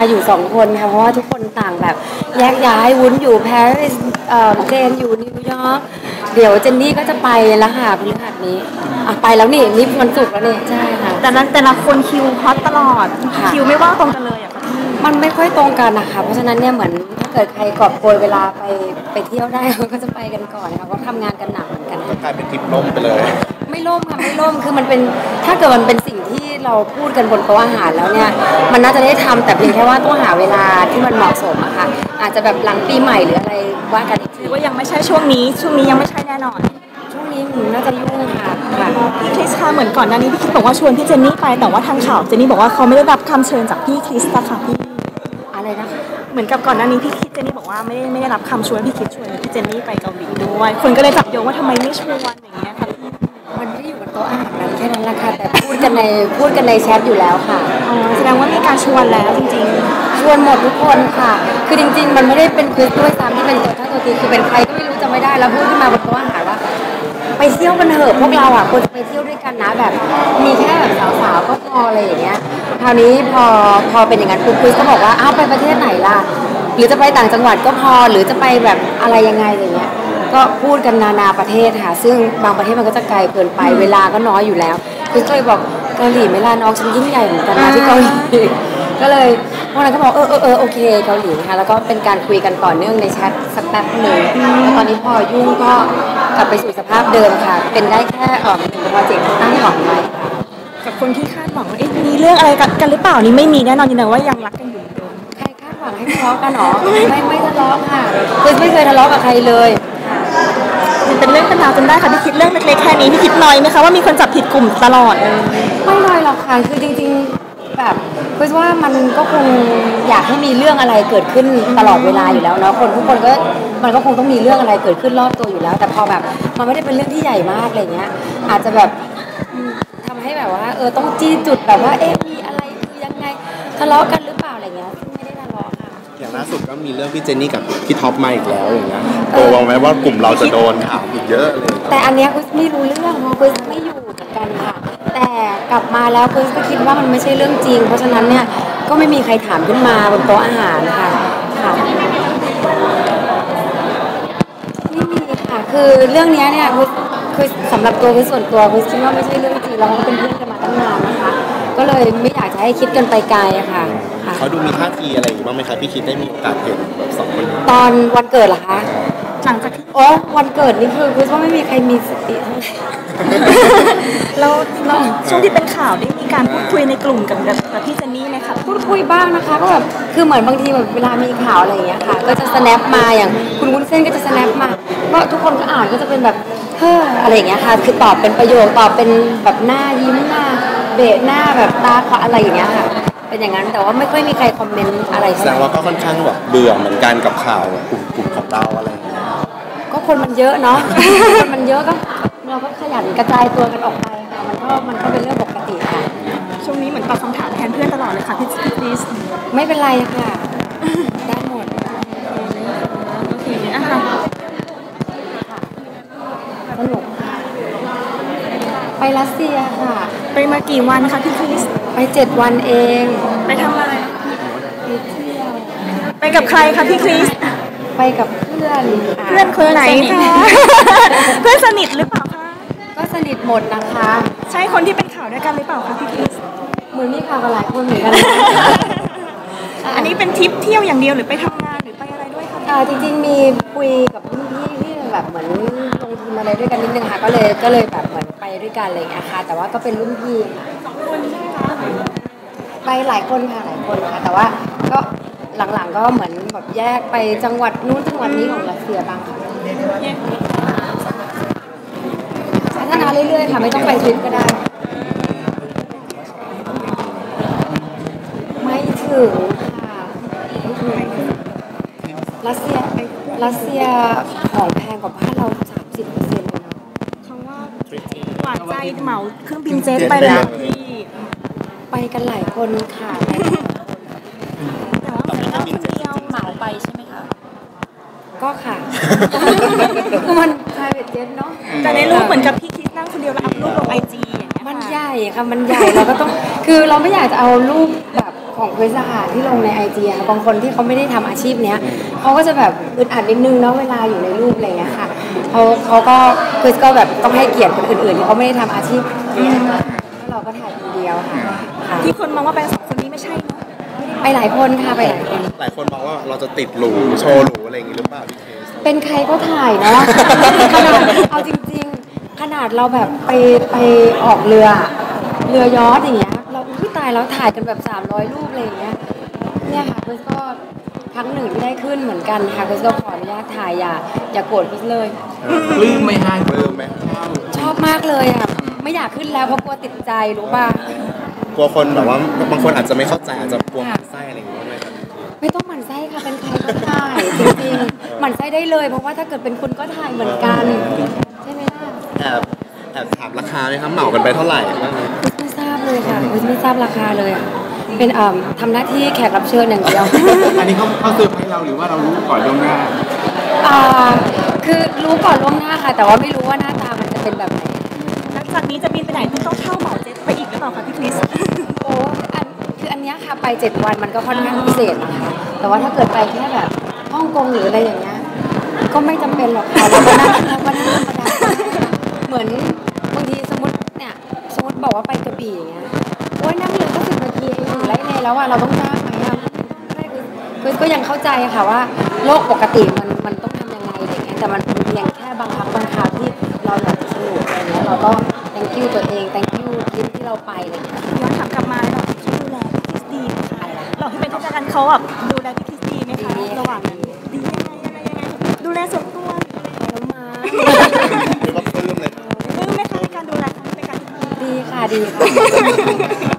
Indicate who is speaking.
Speaker 1: อยู่2 คนค่ะเพราะว่าทุกคนต่างแบบแยกย้ายวุ้นอยู่ปารีสเจนอยู่นิวยอร์กเดี๋ยวเจนนี่ก็จะไปแล้วค่ะพฤหัสนี้ไปแล้วนี่วันศุกร์แล้วนี่ใช่ค่ะ
Speaker 2: แต่ละคนคิวฮอตตลอดคิวไม่ว่างตรงกันเลยอะค่ะ
Speaker 1: มันไม่ค่อยตรงกันนะคะเพราะฉะนั้นเนี่ยเหมือนถ้าเกิดใครกอบโกยเวลาไปเที่ยวได้เขาก็จะไปกันก่อนค่ะเพราะทำงานกันหนักเหมือนกัน
Speaker 3: กลายเป็นทริปล่มไปเลย
Speaker 1: ไม่ล่มค่ะไม่ล่มคือมันเป็นถ้าเกิดมันเป็นสิ่งที่เราพูดกันบนโต๊ะอาหารแล้วเนี่ยมันน่าจะได้ทำแต่เพียงแค่ว่าต้องหาเวลาที่มันเหมาะสมอะค่ะอาจจะแบบหลังปีใหม่หรืออะไรว่ากันอีกที
Speaker 2: ว่ายังไม่ใช่ช่วงนี้ยังไม่ใช่แน่นอน
Speaker 1: ช่วงนี้น่าจะยุ่งค่ะ
Speaker 2: พี่คริสค่ะเหมือนก่อนหน้านี้พี่คริสบอกว่าชวนพี่เจนนี่ไปแต่ว่าทางข่าวเจนนี่บอกว่าเขาไม่ได้รับคำเชิญจากพี่คริสต์ค่ะพี่
Speaker 1: อะไรนะคะ
Speaker 2: เหมือนกับก่อนหน้านี้พี่คริสเจนนี่บอกว่าไม่ได้รับคำชวนพี่คริสชวนพี่เจนนี่ไปเกาหลีด้วยคนก็เลยจับโยงว่าทำไมไม่ชวนอย่างเงี้ยค่ะ
Speaker 1: มันไม่ได้อยู่บนโต๊ะอาหารแค่นั้นแหละค่ะแต่พูดกันในแชทอยู่แล้วค่ะ
Speaker 2: แสดงว่ามีการชวนแล้วจริง
Speaker 1: ๆชวนหมดทุกคนค่ะคือจริงๆมันไม่ได้เป็นคริสด้วยซ้ำที่เป็นตัวทีคือเป็นใครก็ไม่รู้จำไม่ได้แล้วพูดขึ้นมาบนโต๊ะอาหารว่าไปเที่ยวกันเถอะพวกเราควรจะไปเที่ยวด้วยกันนะแบบมีแค่แบบสาวๆก็พออะไรอย่างเงี้ยคราวนี้พอเป็นอย่างนั้นปุ๊บคริสก็บอกว่าไปประเทศไหนล่ะหรือจะไปต่างจังหวัดก็พอหรือจะไปแบบอะไรยังไงอย่างเงี้ยก็พูดกันนานาประเทศค่ะซึ่งบางประเทศมันก็จะไกลเกินไปเวลาก็น้อยอยู่แล้วคือเคยบอกเกาหลีไม่ลาน้องฉันยิ่งใหญ่เหมือนกันนะที่เกาหลีก็เลยพวกนั้นก็บอกโอเคเกาหลีนะคะแล้วก็เป็นการคุยกันต่อเนื่องในแชทสักแป๊บหนึ่งแล้วตอนนี้พอยุ่งก็กลับไปสู่สภาพเดิมค่ะเป็นได้แค่1 โปรเจกต์ที่ตั้งหวังไว้
Speaker 2: กับคนที่คาดหวังว่ามีเรื่องอะไรกันหรือเปล่านี่ไม่มีแน่นอนยืนยันว่ายังรักกันอยู่เดิม
Speaker 1: ใครคาดหวังให้ทะเลาะกันหรอไม่ทะเลาะค่ะคือไม่เคยทะเลาะกับใครเลย
Speaker 2: เป็นเรื่องเป็นราวจนได้ค่ะพี่คิดเรื่องเล็กๆแค่นี้พี่คิดน้อยไหมคะว่ามีคนจับผิดกลุ่มตลอด
Speaker 1: ไม่น้อยหรอกค่ะคือจริงๆแบบคิดว่ามันก็คงอยากให้มีเรื่องอะไรเกิดขึ้นตลอดเวลาอยู่แล้วเนาะทุกคนก็มันก็คงต้องมีเรื่องอะไรเกิดขึ้นรอบตัวอยู่แล้วแต่พอแบบมันไม่ได้เป็นเรื่องที่ใหญ่มากอะไรเงี้ยอาจจะแบบทำให้แบบว่าต้องจี้จุดแบบว่ามีอะไรคือยังไงทะเลาะกันหรือเปล่าอะไรเงี้ยซึ่งไม่ได้ทะเลาะค่ะ
Speaker 3: อย่างล่าสุดก็มีเรื่องพี่เจนนี่กับพี่ท็อปมาอีกแล้วอย่างเงี้ยวางไหมว่ากลุ่มเราจะโดนถามอีกเยอะเลย
Speaker 1: แต่อันเนี้ยคุณไม่รู้เรื่องเพราะคุณไม่อยู่เหมือนกันค่ะแต่กลับมาแล้วคุณก็คิดว่ามันไม่ใช่เรื่องจริงเพราะฉะนั้นเนี่ยก็ไม่มีใครถามขึ้นมาบนโต๊ะอาหารค่ะไม่มีค่ะคือเรื่องนี้เนี่ยคือสำหรับตัวคือส่วนตัวคือคิดว่าไม่ใช่เรื่องจริงเราก็เป็นเพื่อนกันมาตั้งนานนะคะก็เลยไม่อยากจะให้คิดกันไปไกลอะค่ะ
Speaker 3: เขาดูมีท่าทีอะไรอยู่บ้างไหมคะพี่คิดได้มีโอกาสเห็นแบบ2 คน
Speaker 1: ตอนวันเกิดเหรอคะ
Speaker 2: หลังจากที่
Speaker 1: วันเกิดนี่คือว่าไม่มีใครมีสติเท่าไหร่
Speaker 2: แล้วช่วงที่เป็นข่าวได้มีการพูดคุยในกลุ่มกับพี่เจนนี่ไหมคะ
Speaker 1: พูดคุยบ้างนะคะก็แบบคือเหมือนบางทีแบบเวลามีข่าวอะไรอย่างเงี้ยค่ะก็จะ snap มาอย่างคุณวุ้นเส้นก็จะ snap มาก็ทุกคนก็อ่านก็จะเป็นแบบอะไรอย่างเงี้ยค่ะคือตอบเป็นประโยคตอบเป็นแบบหน้ายิ้มหน้าเบะหน้าแบบตาขวาอะไรอย่างเงี้ยค่ะเป็นอย่างนั้นแต่ว่าไม่ค่อยมีใครคอมเมนต์อะไร
Speaker 3: แสดงว่าก็ค่อนข้างแบบเบื่อเหมือนกันกับข่าวกลุ่มของเราอะไรอย่างเงี้ย
Speaker 1: ก็คนมันเยอะเนาะคนมันเยอะก็เราก็ขยันกระจายตัวกันออกไปค่ะมันก็เป็นเรื่องปกติค่ะ
Speaker 2: ช่วงนี้เหมือนตอบคำถามแทนเพื่อนตลอดเลยค่ะพี่คริส
Speaker 1: ไม่เป็นไรค่ะได้หมด
Speaker 2: โอเคนะคะ
Speaker 1: สนุกไปรัสเซียค่ะ
Speaker 2: ไปมากี่วันคะพี่คริส
Speaker 1: ไป7 วันเอง
Speaker 2: ไปทำอะไร
Speaker 1: ไปเที่ยว
Speaker 2: ไปกับใครคะพี่คริส
Speaker 1: ไปกับเพื่อน
Speaker 2: คนไหนคะเพื่อนสนิทหรือเปล่าคะ
Speaker 1: ก็สนิทหมดนะคะ
Speaker 2: ใช่คนที่เป็นข่าวด้วยกันหรือเปล่าคะพี่คริส
Speaker 1: เหมือนมีข่าวกับหลายคนเหมือนกัน
Speaker 2: อันนี้เป็นทริปเที่ยวอย่างเดียวหรือไปทำงานหรือไปอะไรด้วยคะ
Speaker 1: จริงๆมีคุยกับรุ่นพี่ที่แบบเหมือนลงทุนอะไรด้วยกันนิดนึงค่ะก็เลยแบบเหมือนไปด้วยกันอะไรอย่างเงี้ยค่ะแต่ว่าก็เป็นรุ่นพี่
Speaker 2: 2 คนใช่ไหมคะ
Speaker 1: ไปหลายคนค่ะแต่ว่าก็หลังๆก็เหมือนแบบแยกไปจังหวัดนู้นจังหวัดนี้ของรัสเซียบ้างค่ะพัฒนาเรื่อยๆค่ะไม่ต้องไปทริปก็ได้ไม่ถึงค่ะรัสเซียของแพงกว่าบ้านเรา30%เลยนะ
Speaker 2: เขาว่าหวานใจเหมาเครื่องบินเจ็ตไปแล้วที่
Speaker 1: ไปกันหลายคนค่ะ
Speaker 2: แต่ว่าคนเดียว
Speaker 4: เหมาไปใช่ไหมคะ
Speaker 1: ก็ค่ะมัน private jet เนาะ
Speaker 2: แต่ในรูปเหมือนกับพี่คิดนั่งคนเดียวแล้วอัพรูปลงIG อย่างเงี้ย
Speaker 1: มันใหญ่ค่ะมันใหญ่เราก็ต้องคือเราไม่อยากจะเอารูปแบบของคริสอะค่ะที่ลงในไอจีค่ะบางคนที่เขาไม่ได้ทำอาชีพเนี้ยเขาก็จะแบบอึดอัดนิดนึงเนาะเวลาอยู่ในรูปอะไรอย่างเงี้ยค่ะเขาก็คริสก็แบบต้องให้เกียรติคนอื่นๆที่เขาไม่ได้ทำอาชีพแล้วเราก็ถ่ายคนเดียวค่ะค่ะ
Speaker 2: ที่คนมองว่าเป็น2 คนนี้ไม่ใช่เนาะ
Speaker 1: ไปหลายคนค่ะไปหลายคน
Speaker 3: หลายคนมองว่าเราจะติดหรูโชว์หรูอะไรอย่างงี้หรือเปล่าพี่เคส
Speaker 1: เป็นใครก็ถ่ายเนาะ ขนาดเอาจริงๆ ขนาดเราแบบไปออกเรือยอชต์อย่างเงี้ยเราอุ้ยตายแล้วถ่ายกันแบบ300 รูปอะไรอย่างเงี้ยเนี่ยค่ะคริสก็ครั้งหนึ่งที่ได้ขึ้นเหมือนกันค่ะคริสก็ขออนุญาตถ่ายอย่าโกรธคริสเลย
Speaker 4: ปลื้มไหมฮะ
Speaker 3: ปลื้มไหม
Speaker 1: ชอบมากเลยอ่ะไม่อยากขึ้นแล้วเพราะกลัวติดใจรู้ป่ะ
Speaker 3: กลัวคนแบบว่าบางคนอาจจะไม่เข้าใจอาจจะกลัวหมันไส้อะไรอย่างเงี้ยด้วยครับ
Speaker 1: ไม่ต้องหมั่นไส้ค่ะเป็นใครก็ถ่ายจริงๆหมั่นไส้ได้เลยเพราะว่าถ้าเกิดเป็นคุณก็ถ่ายเหมือนกันใช่ไหมล่ะ
Speaker 3: แอบถามราคาไหมครับเหมากันไปเท่าไหร่บ้าง
Speaker 1: ไม่ทราบเลยค่ะไม่ทราบราคาเลยอ่ะเป็นทำหน้าที่แขกรับเชิญอย่างเดียว
Speaker 4: อันนี้เขาเซอร์ไพรส์เราหรือว่าเรารู้ก่อนล่วงหน้า
Speaker 1: คือรู้ก่อนล่วงหน้าค่ะ แต่ว่าไม่รู้ว่าหน้าตามันจะเป็นแบบไหน
Speaker 2: หลังจากนี้จะบินไปไหนต้องเช่าเหมาเจ็ตไปอีกหรือเปล่าคะพี่คริส
Speaker 1: โอ้คืออันเนี้ยค่ะไป7 วันมันก็ค่อนข้างพิเศษนะคะแต่ว่าถ้าเกิดไปแค่แบบฮ่องกงหรืออะไรอย่างเงี้ยก็ไม่จำเป็นหรอกค่ะเราก็นั่งธรรมดาเหมือนบางทีสมมติบอกว่าไปกระบี่อย่างเงี้ยโอ้ยนั่งเรือก็10 นาทีเองถึงไรเลยแล้วอ่ะเราต้องจ้างไหมอ่ะไม่คือก็ยังเข้าใจค่ะว่าโลกปกติมันต้องทำยังไงอะไรเงี้ยแต่มันเป็นเพียงแค่บางครั้งบางคราวที่เราอยากจะสนุกอะไรเงี้ยเราก็ thank you ตัวเอง thank you ทริปที่เราไปอะไรเงี้ย
Speaker 2: ย้อนถามกลับมาแล้วเขาดูแลพี่คริสดีไหมคะเราที่เป็นผู้จัดการเขาแบบดูแลพี่คริสดีไหมคะระหว่างนั้นดียังไงอะไรยังไงดูแลส่วนตัว
Speaker 1: แล้วมา
Speaker 3: หรือว่าปลื้มเลย
Speaker 2: ปลื้มไหมคะในการดูแลเขาในการ
Speaker 1: ดีค่ะดีค่ะ